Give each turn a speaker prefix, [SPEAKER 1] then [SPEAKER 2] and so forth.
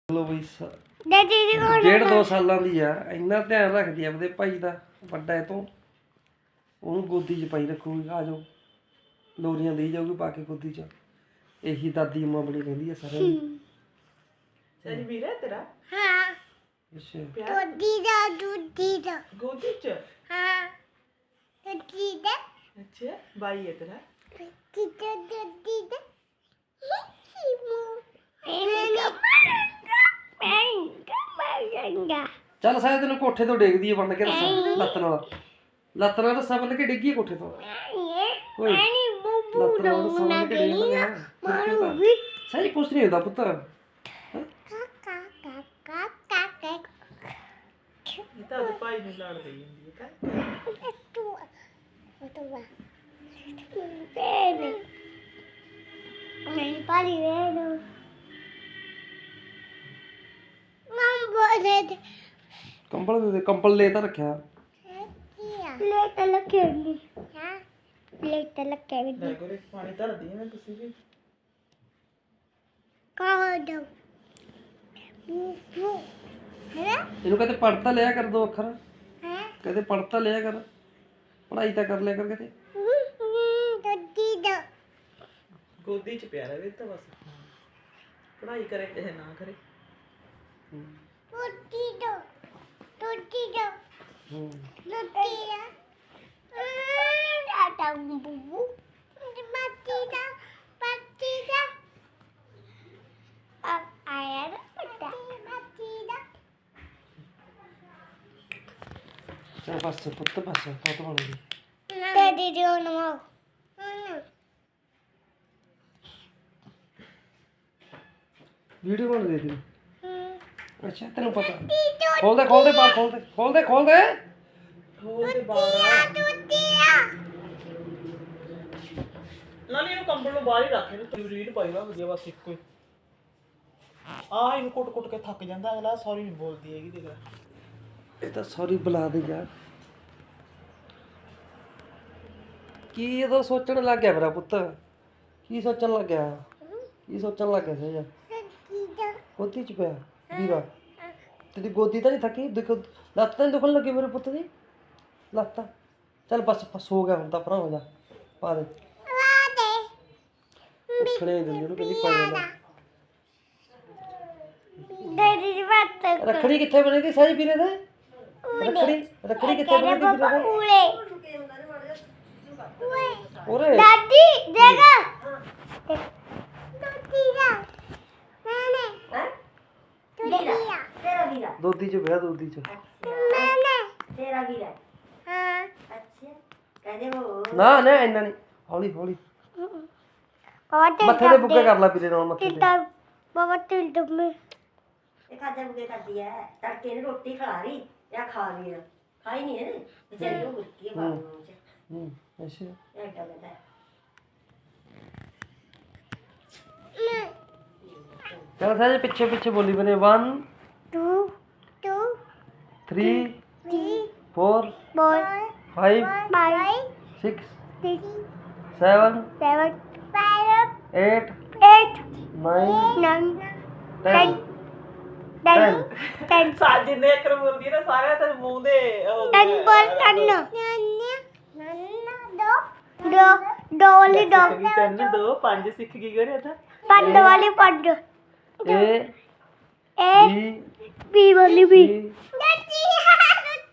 [SPEAKER 1] ਲੋ ਬਈ
[SPEAKER 2] ਦਾਦੀ ਜੀ ਕੋਲ
[SPEAKER 1] 1.5-2 ਸਾਲਾਂ ਦੀ ਆ। ਇੰਨਾ ਧਿਆਨ ਰੱਖਦੀ ਆ ਆਪਣੇ ਭਾਈ ਦਾ, ਵੱਡਾ ਇਹ ਤੋਂ। ਉਹਨੂੰ ਗੋਦੀ 'ਚ ਪਾਈ ਰੱਖੂਗੀ। ਆ ਜਾਓ, ਲੋਰੀਆਂ ਦੇਈ ਜਾਊਗੀ ਪਾ ਕੇ ਗੋਦੀ 'ਚ। ਇਹੀ ਦਾਦੀ ਅੰਮਾ ਬਣੀ ਕਹਿੰਦੀ ਆ ਸਾਰਿਆਂ ਨੂੰ।
[SPEAKER 3] ਸਹੀ ਵੀਰ ਹੈ ਤੇਰਾ?
[SPEAKER 2] ਹਾਂ
[SPEAKER 1] ਅੱਛਾ,
[SPEAKER 2] ਦੁੱਧੀ ਦਾ
[SPEAKER 3] ਗੋਦੀ ਚ?
[SPEAKER 2] ਹਾਂ ਦੁੱਧੀ ਦਾ
[SPEAKER 3] ਅੱਛਾ, ਬਾਈ ਹੈ ਤੇਰਾ?
[SPEAKER 2] ਕਿਤੇ ਦੁੱਧੀ ਦਾ
[SPEAKER 1] ਚੱਲ ਸਾਇਦ ਤੈਨੂੰ ਕੋਠੇ ਤੋਂ ਡੇਗਦੀ ਆ ਬੰਨ ਕੇ ਰੱਸਾ ਲੱਤ ਨਾਲ। ਲੱਤ ਨਾਲ ਰੱਸਾ ਬੰਨ ਕੇ ਡਿੱਗੀ ਕੋਠੇ ਤੋਂ। ਓਏ ਲੱਤ ਨਾਲ ਰੱਸਾ ਬੰਨ ਕੇ ਡੇਗ ਲੱਗਿਆ। ਸਹੀ ਕੁਛ ਨਹੀਂ ਹੁੰਦਾ ਪੁੱਤ।
[SPEAKER 3] ਇਹ ਤਾਂ ਉਹਦੇ ਭਾਈ ਨੂੰ ਲੜ ਰਹੀ ਹੁੰਦੀ ਹੈ ਕਾ?
[SPEAKER 2] ਨਹੀਂ ਪਾਲੀ ਵੇ ਨੂੰ ਬੋਲੇ
[SPEAKER 1] ਕੰਬਲ ਦੇ ਦੇ, ਕੰਬਲ ਲੈ ਤਾਂ ਰੱਖਿਆ।
[SPEAKER 2] ਲੈ ਤਾਂ ਲੱਗੇ ਹਾਂ ਲੈ ਤਾਂ ਲੱਗੇ ਵੀ
[SPEAKER 3] ਲੈ ਕੋਲੇ ਪਾਣੀ ਧਰਦੀ ਹੈ ਮੈਂ, ਤੁਸੀਂ ਵੀ
[SPEAKER 2] ਕਾ ਦੋ ਹੈ
[SPEAKER 1] ਇਹਨੂੰ ਕਹਿੰਦੇ ਪੜ੍ਹ ਤਾਂ ਲਿਆ ਕਰ 2 ਅੱਖਰ।
[SPEAKER 2] ਹੈ
[SPEAKER 1] ਕਹਿੰਦੇ ਪੜ੍ਹ ਤਾਂ ਲਿਆ ਕਰ, ਪੜ੍ਹਾਈ ਤਾਂ ਕਰ ਲਿਆ ਕਰ ਕਿਤੇ।
[SPEAKER 2] ਦੁੱਧੀ ਦਾ
[SPEAKER 3] ਗੋਦੀ ਚ ਪਿਆ ਰਹੇ ਤਾਂ ਬਸ। ਪੜ੍ਹਾਈ ਕਰੇ ਚਾਹੇ ਨਾ ਕਰੇ।
[SPEAKER 2] ਦੁੱਧੀ ਦਾ ਦੁੱਧੀ ਦਾ
[SPEAKER 1] ਹੂੰ,
[SPEAKER 2] ਦੁੱਧੀ ਦਾ ਦਾਦਾ ਬੂਬੂ ਪੱਤੀ ਦਾ ਆਇਆ ਨਾ ਪੱਤੀ ਦਾ
[SPEAKER 1] ਚੱਲ ਬਸ ਪੁੱਤ, ਬਸ ਬਹੁਤ ਬਣ ਗਈ।
[SPEAKER 2] ਦਾਦੀ ਜੀ ਨੂੰ
[SPEAKER 1] ਵੀਡੀਓ ਬਣ ਦੇ ਤੇਰੀ। ਅੱਛਾ, ਤੈਨੂੰ ਪਤਾ। ਖੋਲ ਦੇ ਖੋਲ ਦੇ ਬਾਹਰ, ਖੋਲ ਦੇ ਖੋਲ ਦੇ ਖੋਲ ਦੇ।
[SPEAKER 3] ਹੋਰ ਤੇ ਬਾਹਰ
[SPEAKER 2] ਦੁੱਧੀ ਆ
[SPEAKER 3] ਨਾਲੇ ਇਹਨੂੰ ਕੰਬਲ ਨੂੰ ਬਾਹਰ ਹੀ ਰੱਖ, ਇਹਨੂੰ ਤੂੰ ਰੀਡ ਪਾਈ ਵਾ ਵਧੀਆ ਬਸ ਇੱਕੋ ਹੀ। ਇਹਨੂੰ ਕੁੱਟ ਕੇ ਥੱਕ ਜਾਂਦਾ ਅਗਲਾ। ਸੌਰੀ ਨਹੀਂ ਬੋਲਦੀ ਹੈਗੀ ਦੇਖ ਲੈ।
[SPEAKER 1] ਇਹ ਤਾਂ ਸੌਰੀ ਬੁਲਾ ਦੇ ਯਾਰ। ਕੀ ਇਹਦਾ ਸੋਚਣ ਲੱਗ ਗਿਆ ਮੇਰਾ ਪੁੱਤ? ਕੀ ਸੋਚਣ ਲੱਗ ਗਿਆ? ਕੀ ਸੋਚਣ ਲੱਗ ਗਿਆ ਸੀ ਯਾਰ? ਗੋਦੀ 'ਚ ਪਿਆ ਵੀਰਾ। ਤੇਰੀ ਗੋਦੀ ਤਾਂ ਨਹੀਂ ਥੱਕੀ? ਦੇਖੋ ਲੱਤ ਤਾਂ ਨੀ ਦੁਖਣ ਲੱਗੀ ਮੇਰੇ ਪੁੱਤ ਦੀ? ਲੱਤ ਚੱਲ ਬਸ ਹੋ ਗਿਆ ਹੁਣ ਤਾਂ, ਭਰਾ ਹੋ ਜਾ, ਪਾ ਦੇ। ਉੱਠਣੇ ਨਹੀਂ ਦਿੰਦੀ ਉਹਨੂੰ, ਕਹਿੰਦੀ ਪਾ ਜਾਂਦਾ।
[SPEAKER 2] ਦਾਦੀ ਜੀ ਬਾਤ
[SPEAKER 1] ਰੱਖੜੀ ਕਿੱਥੇ ਬਣੀ ਤੀ ਸਾਈ ਵੀਰੇ ਦੇ? ਰੱਖੜੀ ਕਿੱਥੇ ਬਣੀ ਤੀ ਵੀਰੇ ਦੇ? ਉਰੇ
[SPEAKER 2] ਦਾਦੀ ਦੇਗਾ ਦੁੱਧੀ ਦਾ ਮੈਨੇ ਦੁੱਧੀ ਆ
[SPEAKER 4] तेरा वीरा
[SPEAKER 1] ਦੋਦੀ 'ਚ ਪਿਆ, ਦੋਦੀ 'ਚ।
[SPEAKER 2] ਮੈਨੇ
[SPEAKER 4] तेरा वीरा
[SPEAKER 2] ਹਾਂ
[SPEAKER 4] अच्छा कहदे वो
[SPEAKER 1] ਨਾ ਨਾ ਇੰਨਾ ਨਹੀਂ, ਹੌਲੀ ਹੌਲੀ।
[SPEAKER 2] ਬਹੁਤ
[SPEAKER 1] ਮੱਥੇ ਦੇ ਬੁੱਗੇ ਕਰ ਲਾ ਵੀਰੇ ਨਾਲ, ਮੱਥੇ ਤੇ।
[SPEAKER 2] ਤਿਲਦਾ ਬਾਬਾ ਤਿਲ ਦਮੇ
[SPEAKER 4] एक आधा बुगे कर दिया है तड़के ने रोटी खा रही या खा वीरा खाई नहीं है ना बेचारी वो बुटकी है बाबू मुझे
[SPEAKER 1] ਹੂੰ, ਅੱਛਾ।
[SPEAKER 4] ये ऐसा कहता है
[SPEAKER 1] ਚੱਲ ਸਾਜੇ ਪਿੱਛੇ ਪਿੱਛੇ ਬੋਲੀ ਬਨੇ। 1
[SPEAKER 2] 2 2
[SPEAKER 1] 3
[SPEAKER 2] 3
[SPEAKER 1] 4
[SPEAKER 2] 4
[SPEAKER 1] 5
[SPEAKER 2] 5
[SPEAKER 1] 6
[SPEAKER 2] 6
[SPEAKER 1] 7
[SPEAKER 2] 7 5
[SPEAKER 1] 8
[SPEAKER 2] 8
[SPEAKER 1] 9
[SPEAKER 2] 9
[SPEAKER 1] 10
[SPEAKER 2] 10 10
[SPEAKER 3] ਸਾਲ ਜਿੰਨੇ ਅੱਖਰ ਬੋਲਦੀ ਹੈ ਨਾ ਸਾਰਿਆਂ ਤੇ ਮੂੰਹ ਦੇ ਉਹ
[SPEAKER 2] 10 ਪਰ 10 ਦੋ ਦੋ ਵਾਲੀ ਦੋ
[SPEAKER 3] ਸਿੱਖ ਗਈ 3 2 5 ਸਿੱਖ ਗਈ ਕਰੇ ਤਾਂ।
[SPEAKER 2] ਪੰਜ ਵਾਲੀ ਪੰਜ
[SPEAKER 1] A
[SPEAKER 2] ਏ
[SPEAKER 1] B
[SPEAKER 2] ਬੀ ਵਾਲੀ ਬੀ
[SPEAKER 1] C